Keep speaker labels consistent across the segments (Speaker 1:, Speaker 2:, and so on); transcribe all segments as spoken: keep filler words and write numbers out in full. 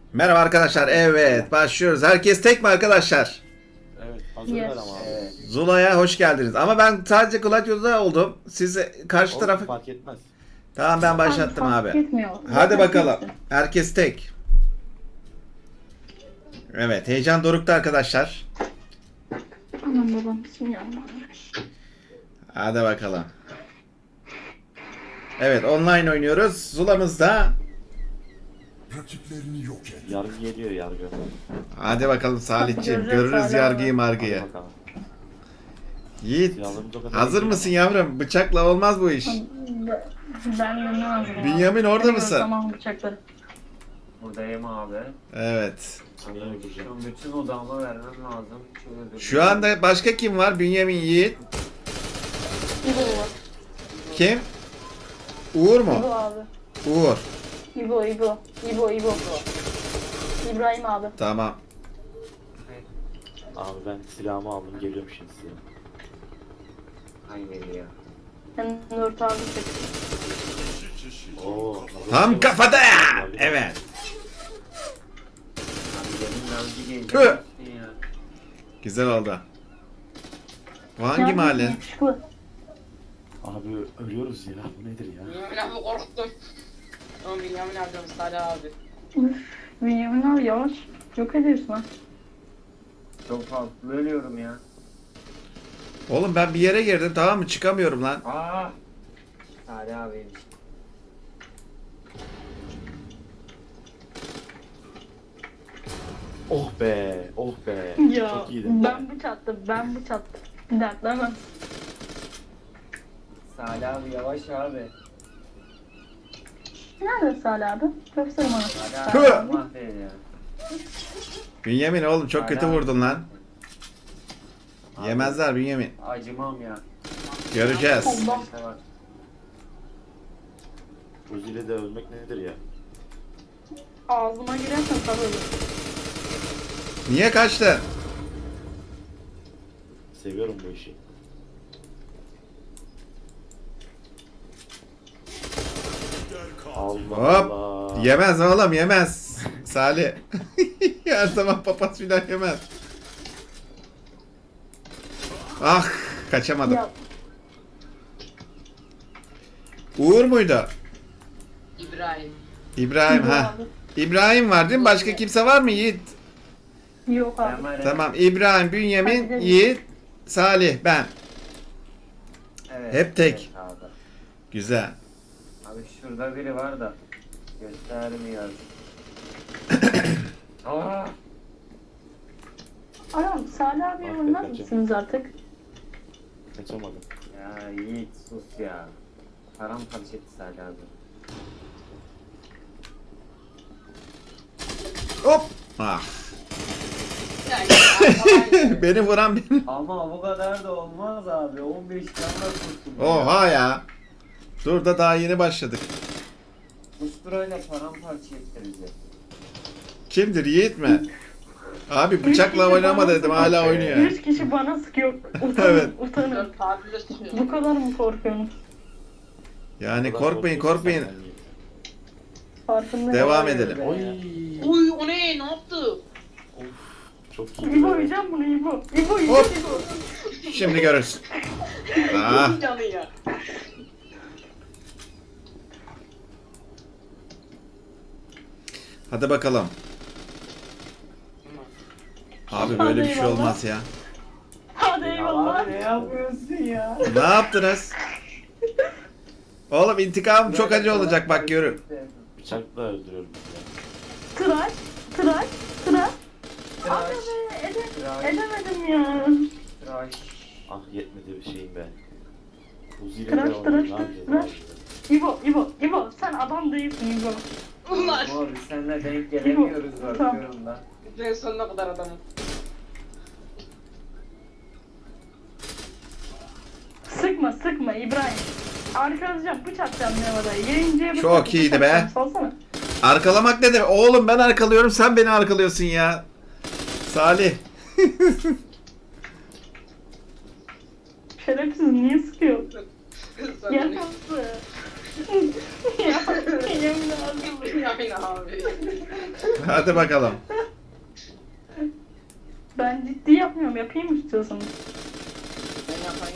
Speaker 1: Merhaba arkadaşlar. Evet, başlıyoruz. Herkes tek mi arkadaşlar?
Speaker 2: Evet, hazırlar
Speaker 3: Yes.
Speaker 2: ama abi.
Speaker 4: Evet.
Speaker 1: Zula'ya hoş geldiniz. Ama ben sadece Gladio'da oldum. Siz karşı
Speaker 2: Olsun,
Speaker 1: tarafı...
Speaker 2: fark etmez.
Speaker 1: Tamam, ben başlattım
Speaker 3: Fark
Speaker 1: abi.
Speaker 3: etmiyor.
Speaker 1: Hadi
Speaker 3: Zaten
Speaker 1: bakalım.
Speaker 3: kimsin?
Speaker 1: Herkes tek. Evet, heyecan dorukta arkadaşlar.
Speaker 3: Anam babam bismillahirrahmanirrahim.
Speaker 1: Hadi bakalım. Evet, online oynuyoruz. Zula'mız da.
Speaker 5: Rakiplerini yok et.
Speaker 2: Yargı geliyor yargı.
Speaker 1: Hadi bakalım Salihciğim.
Speaker 3: Göreceğiz
Speaker 1: Görürüz
Speaker 3: hala.
Speaker 1: yargıyı
Speaker 2: Hadi
Speaker 1: margıyı.
Speaker 2: bakalım.
Speaker 1: Yiğit,
Speaker 2: Silahlarımız o kadar
Speaker 1: hazır
Speaker 2: iyi
Speaker 1: mısın
Speaker 2: değil
Speaker 1: yavrum? Bıçakla olmaz bu iş.
Speaker 3: Ben de ne hazırım?
Speaker 1: Bünyamin orada mısın?
Speaker 3: Tamam bıçakları.
Speaker 4: Buradayım abi.
Speaker 1: Evet.
Speaker 2: ama Sana öldüreceğim.
Speaker 4: Şu bütün odağımı vermem lazım. Şöyle dur.
Speaker 1: Şu anda başka kim var? Bünyamin, Yiğit.
Speaker 3: İbo var.
Speaker 1: Kim? Uğur mu?
Speaker 3: İbo abi.
Speaker 1: Uğur.
Speaker 3: İbo İbo. İbo İbo. İbrahim abi.
Speaker 1: Tamam.
Speaker 2: Abi ben silahımı aldım geliyorum şimdi size.
Speaker 4: Hayır ya.
Speaker 3: Sen Nurt abi çek.
Speaker 2: Oo.
Speaker 1: Tam kafada ya. Evet.
Speaker 4: Abi benim navcı gelecek.
Speaker 1: Tüh.
Speaker 4: Ya.
Speaker 1: Güzel oldu. Bu hangi mahalle?
Speaker 3: Yakışıklı.
Speaker 2: Abi ölüyoruz ya. Bu nedir ya?
Speaker 6: Bünyamin abi korktum. Ama Bünyamin abi Salih abi.
Speaker 3: Üf. Bünyamin abi yavaş. Yok ediyorsun ha.
Speaker 4: Çok fazla ölüyorum ya.
Speaker 1: Oğlum ben bir yere girdim, tamam mı? Çıkamıyorum lan.
Speaker 4: Aa. Hadi abi.
Speaker 2: Oh be. Oh be.
Speaker 3: Ya
Speaker 2: Çok iyiydin.
Speaker 3: ben bıçattım. Ben bıçattım. Dertlemem.
Speaker 4: Salih abi yavaş abi.
Speaker 3: Nerede Salih abi? Gösterim ona.
Speaker 4: Salih
Speaker 1: Tüh.
Speaker 4: abi mahvedi ya.
Speaker 1: Bünyamin oğlum çok kötü
Speaker 4: Salih abi.
Speaker 1: vurdun lan.
Speaker 4: Abi,
Speaker 1: Yemezler Bünyamin.
Speaker 4: Acımam ya.
Speaker 1: Göreceğiz.
Speaker 3: Allah.
Speaker 4: İşte bak.
Speaker 2: Uzi'yle de ölmek nedir ya?
Speaker 3: Ağzıma girersen tabii olur.
Speaker 1: Niye kaçtın?
Speaker 2: Seviyorum bu işi. Allah
Speaker 1: Hop.
Speaker 2: Allah.
Speaker 1: Yemez oğlum, yemez. Salih. Her zaman papaz filan yemez. Ah, kaçamadım.
Speaker 3: Ya
Speaker 1: Uğur muydu?
Speaker 6: İbrahim.
Speaker 1: İbrahim
Speaker 3: İbo
Speaker 1: ha.
Speaker 3: abi.
Speaker 1: İbrahim var değil mi? Başka kimse var mı Yiğit?
Speaker 3: Yok abi.
Speaker 4: Ben var ya.
Speaker 1: Tamam. İbrahim, Bünyamin, Yiğit, Salih, ben.
Speaker 4: Evet,
Speaker 1: Hep tek.
Speaker 4: evet abi.
Speaker 1: Güzel.
Speaker 4: Abi şurada biri var da göstermiyor. Aa!
Speaker 3: Anam Salih abi
Speaker 2: Bak,
Speaker 3: oynar
Speaker 2: kaçacağım.
Speaker 3: mısınız artık?
Speaker 2: Kaçamadım.
Speaker 4: Ya Yiğit sus ya. Paramparça etti Salih abi.
Speaker 1: Hop. Ah.
Speaker 6: Yani, yani,
Speaker 1: Beni vuran benim.
Speaker 4: Ama bu kadar da olmaz abi. on beş canla tuttum. ya.
Speaker 1: Oha ya. Dur da daha yeni başladık.
Speaker 4: Usturayla paramparça etti bizi.
Speaker 1: Kimdir, Yiğit mi? Abi bıçakla
Speaker 3: kişi
Speaker 1: oynama
Speaker 3: bana
Speaker 1: dedim,
Speaker 3: sıkıyor.
Speaker 1: hala oynuyor.
Speaker 3: Üç kişi bana sıkıyor. Utanın,
Speaker 1: Evet.
Speaker 3: utanın.
Speaker 6: dört tabirle sıkıyor.
Speaker 3: Bu kadar mı korkuyorsunuz?
Speaker 1: Yani
Speaker 2: O kadar
Speaker 1: korkmayın,
Speaker 2: korkuyorsun
Speaker 1: korkmayın.
Speaker 2: sen yani.
Speaker 3: Farkındayım.
Speaker 1: Devam
Speaker 4: Vay
Speaker 1: edelim.
Speaker 4: be.
Speaker 2: Oy.
Speaker 6: Uy o ne? Ne yaptı?
Speaker 2: Of. Çok iyi.
Speaker 3: İbo yiyeceğim bunu İbo. İbo
Speaker 1: Hop.
Speaker 3: yiyeceğim İbo.
Speaker 1: Şimdi görürsün. Ah.
Speaker 6: Canı ya.
Speaker 1: Hadi bakalım. Abi böyle bir şey olmaz ya.
Speaker 3: Hadi
Speaker 4: Ya
Speaker 3: eyvallah.
Speaker 4: abi ne yapıyorsun ya?
Speaker 1: Ne yaptınız? Oğlum intikamım çok acı olacak bak görün.
Speaker 2: Bıçakla öldürüyorum.
Speaker 3: Tıraş, tıraş, tıraş. Abi
Speaker 4: Tıraş,
Speaker 3: be, ede
Speaker 4: tıraş,
Speaker 3: edemedim ya.
Speaker 4: tıraş.
Speaker 2: Ah yetmedi bir şeyim be. Uzi'yle
Speaker 3: Tıraş,
Speaker 2: de oynuyorum.
Speaker 3: tıraş,
Speaker 2: Ne yapacağız
Speaker 3: tıraş.
Speaker 2: abi?
Speaker 3: İbo, İbo, İbo sen adam değilsin İbo.
Speaker 6: Ulan.
Speaker 4: Abi biz seninle denk gelemiyoruz bakıyorum da.
Speaker 6: Ben sonuna kadar adamım.
Speaker 3: Sıkma, sıkma İbrahim. Arkalayacağım, bıçaklayacağım Nevada. Yayıncıya bıçak-
Speaker 1: Çok iyiydi be.
Speaker 3: bıçaklayacağım, salsana.
Speaker 1: Arkalamak ne demek? Oğlum ben arkalıyorum, sen beni arkalıyorsun ya. Salih.
Speaker 3: Şerefsiz niye sıkıyor?
Speaker 6: Sonra
Speaker 3: Yakası. Ya Bünyamin abi.
Speaker 6: Bünyamin abi.
Speaker 1: Hadi bakalım.
Speaker 3: Ben ciddi yapmıyorum. Yapayım mı istiyorsanız?
Speaker 6: Ben yapayım.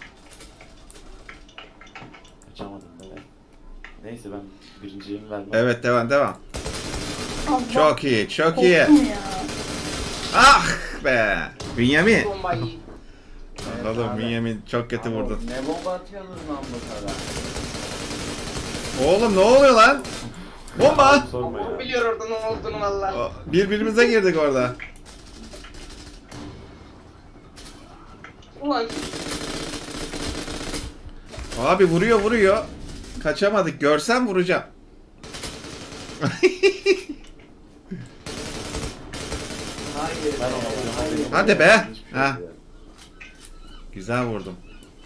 Speaker 2: Kaçamadım be. Neyse ben birinciyim vermem.
Speaker 1: Evet devam devam.
Speaker 3: Allah,
Speaker 1: Çok iyi çok iyi.
Speaker 3: korktum ya.
Speaker 1: Ah be. Bünyamin.
Speaker 6: Bombayı.
Speaker 4: Evet
Speaker 1: Oğlum
Speaker 4: abi.
Speaker 1: Bünyamin çok kötü
Speaker 4: Abi,
Speaker 1: vurdun.
Speaker 4: Ne bomba atıyorsunuz lan bu kadar?
Speaker 1: Oğlum ne oluyor lan? Bomba.
Speaker 2: Sorma
Speaker 6: O
Speaker 2: ya.
Speaker 6: biliyor orada ne olduğunu valla.
Speaker 1: O, Birbirimize girdik orada.
Speaker 6: Ulan
Speaker 1: Abi vuruyor vuruyor. Kaçamadık. Görsem vuracağım.
Speaker 4: Hayır.
Speaker 2: Ben
Speaker 4: be,
Speaker 2: ona
Speaker 4: hayır.
Speaker 2: benim-
Speaker 1: Hadi be.
Speaker 2: Hiçbir şey
Speaker 1: Ha.
Speaker 2: yok ya.
Speaker 1: Güzel vurdum.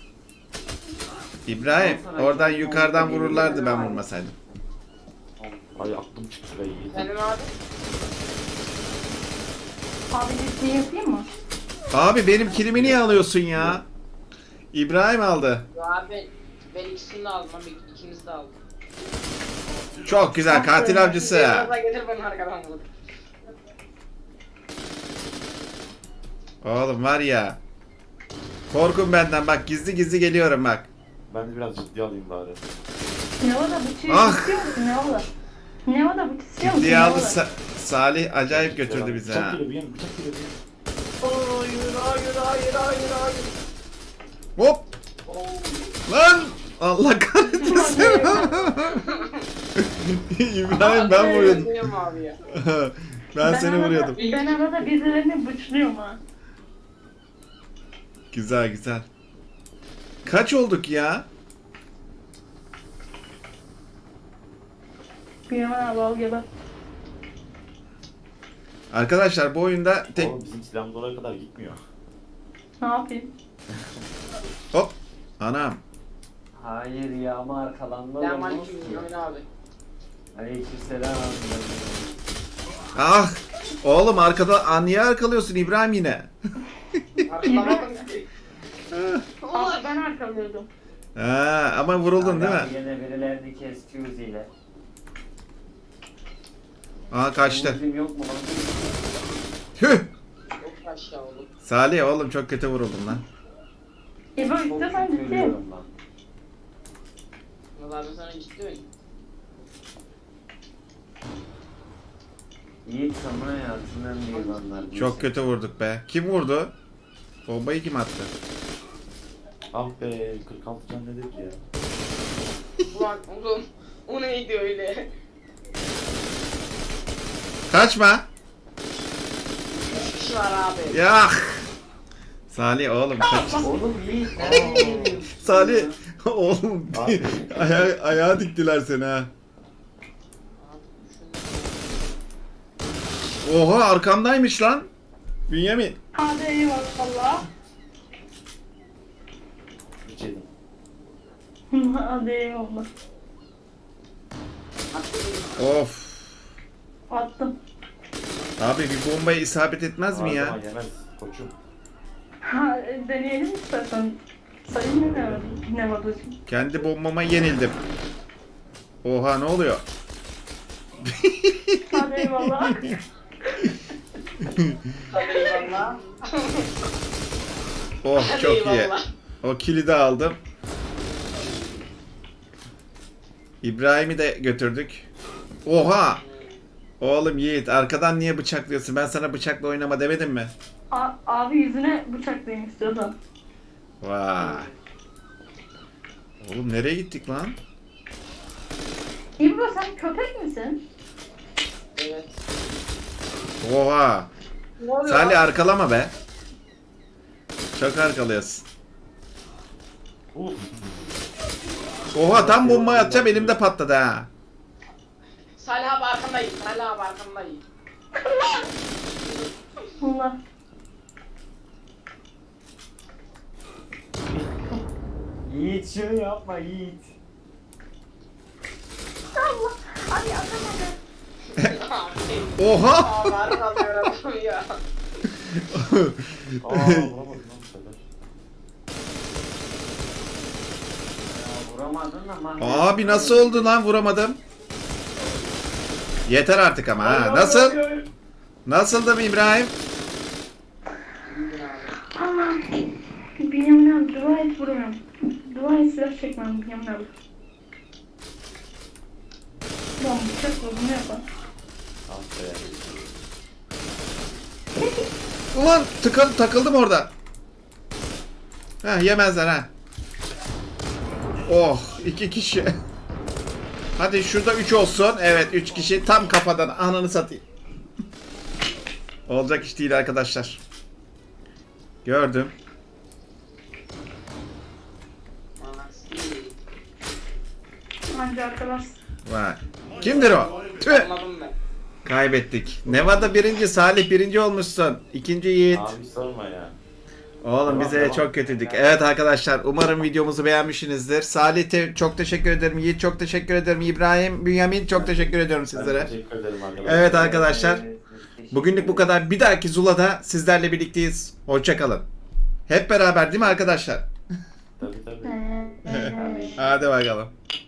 Speaker 1: İbrahim oradan yukarıdan vururlardı ben vurmasaydım.
Speaker 2: Ay aklım çıktı be iyi.
Speaker 6: benim abi.
Speaker 3: Abi ciddi yapayım mı?
Speaker 1: Abi benim kilimi niye alıyorsun ya? İbrahim aldı.
Speaker 6: Yo abi ben ikisini de aldım abi ikinizi de aldım.
Speaker 1: Çok güzel katil avcısı.
Speaker 6: Biraz gelir beni arkadan vur.
Speaker 1: Oğlum var ya. Korkun benden bak gizli gizli geliyorum bak.
Speaker 2: Ben de biraz ciddi alayım bari.
Speaker 3: Ne var da bıçağı
Speaker 1: Ah!
Speaker 3: istiyor musun? Ne var da? Ne var da bıçağı istiyor musun?
Speaker 1: Ciddiye
Speaker 3: Ne
Speaker 1: aldı
Speaker 3: var da?
Speaker 1: Sa- Salih acayip götürdü bizi
Speaker 2: Bıçak
Speaker 1: ha.
Speaker 2: geliyor bir yan, bıçak geliyor bir yan.
Speaker 6: Hayır hayır hayır hayır hayır.
Speaker 1: Hop lan Allah kahretmesin. İbrahim ben vuruyordum.
Speaker 6: Vuruyordum abi ya.
Speaker 1: Ben seni
Speaker 3: arada-
Speaker 1: vuruyordum.
Speaker 3: Ben arada birilerini bıçlıyorum ha.
Speaker 1: Güzel güzel. Kaç olduk ya?
Speaker 3: Bünyamin abi al geber.
Speaker 1: Arkadaşlar bu oyunda tek
Speaker 2: Oğlum bizim silahımız oraya kadar gitmiyor.
Speaker 3: Ne yapayım?
Speaker 1: hop anam.
Speaker 4: Hayır ya ama arkalanma
Speaker 6: Ben
Speaker 4: olmaz
Speaker 6: Malik
Speaker 4: ki.
Speaker 6: Bünyamin abi.
Speaker 4: Aleykümselam.
Speaker 1: Ah oğlum arkada niye arkalıyorsun İbrahim yine?
Speaker 6: Arkalamadım ki.
Speaker 3: Abi ben arkalıyordum.
Speaker 1: Ha, ama vuruldun değil mi?
Speaker 4: Adam Yine birilerini kesti Uzi ile.
Speaker 1: Aha kaçtı.
Speaker 4: Uzim yok mu lan?
Speaker 1: Tüh.
Speaker 6: Çok aşağı oğlum.
Speaker 1: Salih oğlum çok kötü vuruldun lan.
Speaker 3: İbo
Speaker 4: Çok
Speaker 3: istiyorsan
Speaker 4: kötü
Speaker 3: ciddi.
Speaker 4: ölüyorum lan.
Speaker 6: Valla ben sana ciddi oyun.
Speaker 4: Yiğit sana hayatının en büyük anlar.
Speaker 1: Çok kötü vurduk be. Kim vurdu? Bombayı kim attı?
Speaker 2: Ah be kırk altı can nedir ki ya?
Speaker 6: Ulan oğlum o neydi öyle?
Speaker 1: Kaçma.
Speaker 6: Üç kişi var abi.
Speaker 1: Ya. Salih oğlum kaç.
Speaker 4: Oğlum Yiğit nereye gidiyorsun?
Speaker 1: Salih oğlum
Speaker 2: Abi.
Speaker 1: aya ayağa diktiler seni ha. Oha arkamdaymış lan. Bünyamin.
Speaker 3: Hadi eyvallah.
Speaker 2: Hiç yedim.
Speaker 3: Hadi eyvallah.
Speaker 1: Of.
Speaker 3: Attım.
Speaker 1: Abi bir bombaya isabet etmez mi
Speaker 2: Her
Speaker 1: ya?
Speaker 2: zaman yemez koçum.
Speaker 3: Ha, e, deneyelim istersen. Sayın mı ne, ne var hocam?
Speaker 1: Kendi bombama yenildim. Oha ne oluyor?
Speaker 3: Hadi eyvallah.
Speaker 6: Hadi eyvallah.
Speaker 1: Oh
Speaker 6: Hadi
Speaker 1: çok iyi.
Speaker 6: eyvallah.
Speaker 1: O kilidi aldım. İbrahim'i de götürdük. Oha! Oğlum Yiğit arkadan niye bıçaklıyorsun? Ben sana bıçakla oynama demedim mi?
Speaker 3: A- abi yüzüne bıçaklayayım istiyorsan.
Speaker 1: Vay. Oğlum nereye gittik lan?
Speaker 3: İbro sen köpek misin?
Speaker 6: Evet.
Speaker 1: Oha!
Speaker 6: Ne oluyor?
Speaker 1: Salih arkalama be. Çok arkalıyorsun.
Speaker 2: Uf.
Speaker 1: Oha tam bombayı atacağım elimde patladı ha.
Speaker 6: Salih abi arkandayım. Salih abi arkandayım.
Speaker 3: Allah.
Speaker 4: Yiğit şunu yapma Yiğit.
Speaker 3: Allah. Abi atamadım.
Speaker 6: Abi.
Speaker 1: Oha!
Speaker 6: Abi arkalıyor adam ya.
Speaker 2: Aa vuramadım lan bu sefer.
Speaker 4: Ya vuramaz aldın ama.
Speaker 1: Abi nasıl oldu lan, vuramadım. Yeter artık ama ha. Nasıl? Nasıldım İbrahim?
Speaker 6: İyiydin abi.
Speaker 3: Aman. Bünyamin abi dua et vuruyorum. Dua et silah çekmem Bünyamin abi. Lan bıçak var bunu yapar.
Speaker 2: Ah be.
Speaker 1: Ulan tıkıl, takıldım orada. Heh, yemezler ha. Oh, iki kişi. Hadi şurada üç olsun. Evet, üç kişi tam kafadan, ananı satayım. Olacak iş değil arkadaşlar. Gördüm.
Speaker 6: Anasını.
Speaker 3: Anca arkadaş.
Speaker 1: Vay. Kimdir o? Tüh.
Speaker 6: Anladım ben.
Speaker 1: Kaybettik. Nevada birinci, Salih birinci olmuşsun. İkinci Yiğit.
Speaker 2: Abi sorma ya.
Speaker 1: Oğlum
Speaker 2: Tamam,
Speaker 1: bize
Speaker 2: tamam.
Speaker 1: çok kötüydük. Evet arkadaşlar, umarım videomuzu beğenmişsinizdir. Salih te- çok teşekkür ederim. Yiğit çok teşekkür ederim. İbrahim, Bünyamin çok teşekkür ediyorum
Speaker 2: Ben
Speaker 1: sizlere.
Speaker 2: teşekkür ederim arkadaşlar.
Speaker 1: Evet arkadaşlar. Bugünlük bu kadar. Bir dahaki Zula'da sizlerle birlikteyiz. Hoşça kalın. Hep beraber değil mi arkadaşlar?
Speaker 2: Tabii tabii.
Speaker 3: Ee,
Speaker 1: Hadi bakalım.